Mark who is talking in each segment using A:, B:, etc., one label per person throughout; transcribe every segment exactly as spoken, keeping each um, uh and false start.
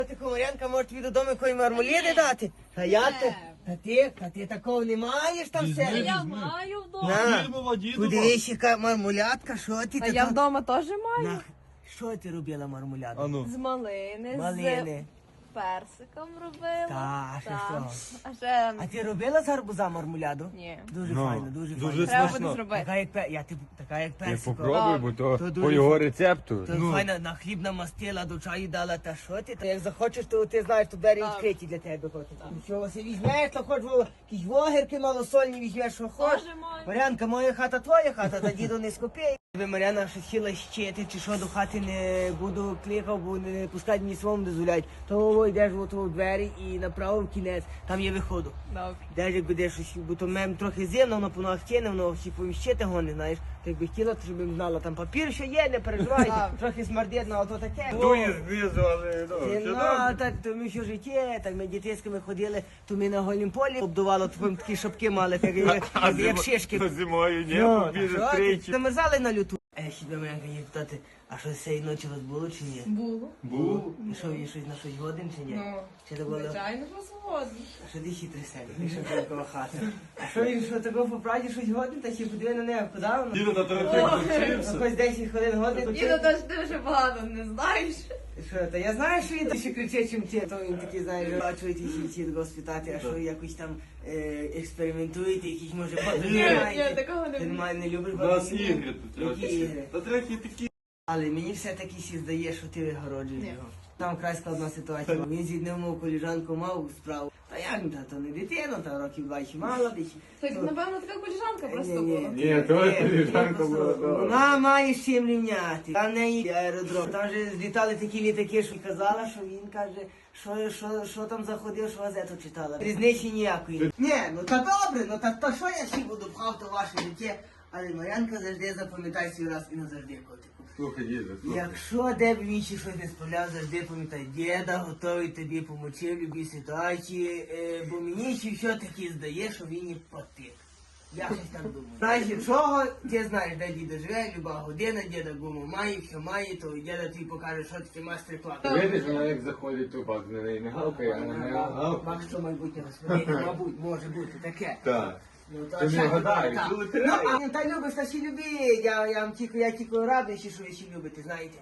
A: Ти, Комарянка, може тобі додому якої мармоліди дати? Та як ти? Та ти, та ти такого не маєш там
B: Візьми,
A: все?
B: візьми.
C: Я маю вдома.
A: На,
B: Дідова, дідова.
A: подивись, яка мармулятка, що ти
C: А
A: така?
C: я вдома теж маю.
A: На, що ти робила мармуляду?
B: Ану.
C: З малини,
A: Малини.
C: з персиком робила.
A: Та, ще що?
C: А ще
A: А ти робила з гарбуза мармуляду?
C: ні.
A: Дуже
B: Ну,
A: файно, дуже,
B: дуже
A: файно.
C: Треба
B: смачно.
C: буде зробити.
A: Така як, пе- я, ти, така як
D: Ти
A: персикова.
D: попробуй, бо то,
A: То дуже
D: по його
A: фа-
D: рецепту.
A: То
B: Ну.
A: файно на хліб намастила, до чаю дала, та що ти? Та як захочеш, то ти знаєш, то двері
C: Так.
A: відкриті для тебе. Що ось візьмеш, то хоч во- якісь вогірки малосольні візьмеш, що хочеш.
C: Теж маю.
A: Марянка, моя хата твоя хата, та діду не скопій. Ви, Маряна, що хотіла щити, чи що до хати не буду кликав, бо не пускають мені своєму дозволяють. То йдеш в у двері і направо в кінець, там є виходу.
C: Добре.
A: Де як буде щось, бо то мем трохи зимно, воно по ногах тіне, воно всі поміщити гони, знаєш. Так якби хотіла, то щоб їм знала, там папір ще є, не переживай,
C: Так.
A: трохи смердітно, а то таке.
B: Дує знизу, але ну,
A: Ти,
B: все
A: ну,
B: добре.
A: так, то ми що життя, так ми дітейськими ходили, то ми на голім полі обдувало, то ми такі шапки мали, так, як, як, як шишки.
B: А зимою ні,
A: Ну,
B: побіжиш
A: що ти?
B: тричі.
A: Замерзали на люту. Е, ще тебе мене є питати, а що цієї ночі у вас було чи ні?
C: Було.
B: Був.
A: І що, і щось на щось годин чи ні?
C: Ну,
A: Чи це було?
C: звичайно, що згодні.
A: А що ти хитрий селі, ти що такого хата? А що він, що такого по правді щось годин, та ще подиви на небо, куди воно?
B: Діду, та ти
C: Ой.
B: вчився.
A: Якось десять хвилин годин.
C: Діду, то ж ти вже багато не знаєш.
A: Що, та я знаю, що він ще кричить, чим ті, то він такий, знаєш, бачу, ті ще ті такого спитати, а що якось там е, експериментуєте, якісь може
C: Ні,
A: подивляєте.
C: ні, такого не
A: Ти
C: буде.
A: немає, не любиш
B: У нас
A: ходити?
B: ігри тут.
A: Які ігри?
B: Та трохи такі.
A: Але мені все-таки сі здає, що ти вигороджуєш
C: Ні.
A: його. Там край складна ситуація. Він зі днем мов коліжанку мав справу. Та як та то не дитина, та років два ще мало десь.
C: Так, напевно, така коліжанка просто
A: Ні-ні.
C: була.
D: Ні, то
A: Ні,
D: коліжанка
A: ні,
D: була,
A: просто
D: да.
A: Вона має з чим рівняти. Там в неї аеродром. Там же злітали такі літаки, що казала, що він каже, що, що, що там заходив, що газету читала. Різниці ніякої. Ні, ну та добре, ну та то що я ще буду пхав то ваше життя. Але Марянка завжди запам'ятай свій раз і назавжди, котику.
D: Слухай, діду, слухай.
A: Якщо де б він ще щось не справляв, завжди пам'ятай, діда готовий тобі помочи в любій ситуації, е, бо мені ще все-таки здає, що він і потик. Я щось так думаю. Знаєш, чого, ти знаєш, де діда живе, люба година, діда гуму має, що має, то діда тобі покаже, що таке майстер-клас.
D: Видиш, вона як заходить тупак, на неї не гавкає, а на неї гавкає.
A: Бак, що майбутнє господиня, мабуть, може бути таке.
D: Так.
A: Ну,
D: Ти не
A: що,
D: гадаєш,
A: так.
D: ти
A: Ну,
D: лотерея.
A: а, ну, та любиш, та ще любить, я, я, вам тільки, я тільки радий, що ви ще любите, знаєте.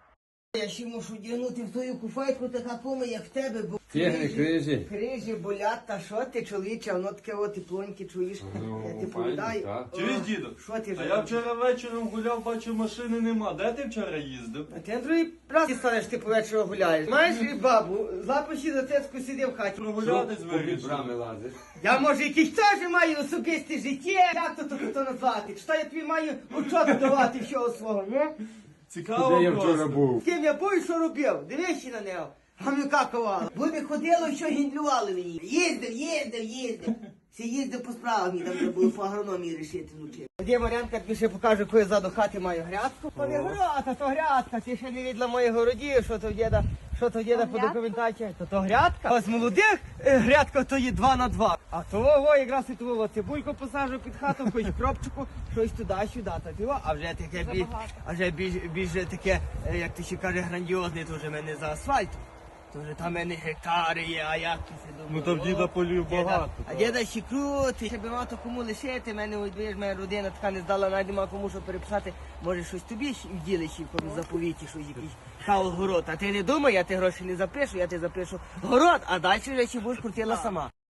A: Я ще мушу дягнути в твою куфайку така кума, як в тебе, бо
D: Тягни крижі.
A: крижі болять, та що ти, чоловіче, воно таке от теплоньке, чуєш,
D: Ну,
A: я ти
D: файно,
A: повідаю.
D: так.
A: О,
B: Чуєш, діду?
A: Що ти
B: А
A: вже?
B: я вчора вечором гуляв, бачу, машини нема. Де ти вчора їздив?
A: А ти на другий раз станеш, ти по вечору гуляєш. Маєш і бабу, лапочі за цецьку сидів в хаті.
B: Прогулятись
D: Попід
B: вирішив.
D: брами лазиш.
A: Я, може, якийсь теж маю особисте життя, як то то, то назвати? Чи то я тобі маю учет давати всього свого, ні?
B: Цікаво
D: Де я вчора
B: просто.
D: був?
A: З ким я був, що робив? Дивись на нього. Гамюка ковала. Були ходило, що гіндлювали мені. Їздив, їздив, їздив. Всі їздив по справах, мені там вже було по агрономії рішити вночі. Де Марянка тобі ще покаже, яку я ззаду хати маю грядку. То не грядка, то грядка. Ти ще не відла моїх городів, що то в діда, що то в діда по
C: грядка?
A: документації. То то грядка. Ось молодих е, грядка то є два на два. А того якраз і того цибульку посаджу під хату, якусь кропчику, щось туди-сюди. Та того, а вже таке більш,
C: Забагато.
A: а вже більш, більш таке, е, як ти ще каже, грандіозне, то вже в мене за асфальтом. То вже там в мене гектари є, а як ти си думав?
B: Ну, то в діда
A: О,
B: полів
A: діда-
B: багато,
A: А
B: так.
A: діда ще крутий, ще би мав то кому лишити, мене ось, видиш, моя родина така не здала, навіть нема кому що переписати. Може щось тобі ще в ділі ще в якомусь заповіті, щось якийсь хаол город. А ти не думай, я ти гроші не запишу, я ти запишу город, а далі вже ще будеш крутила сама.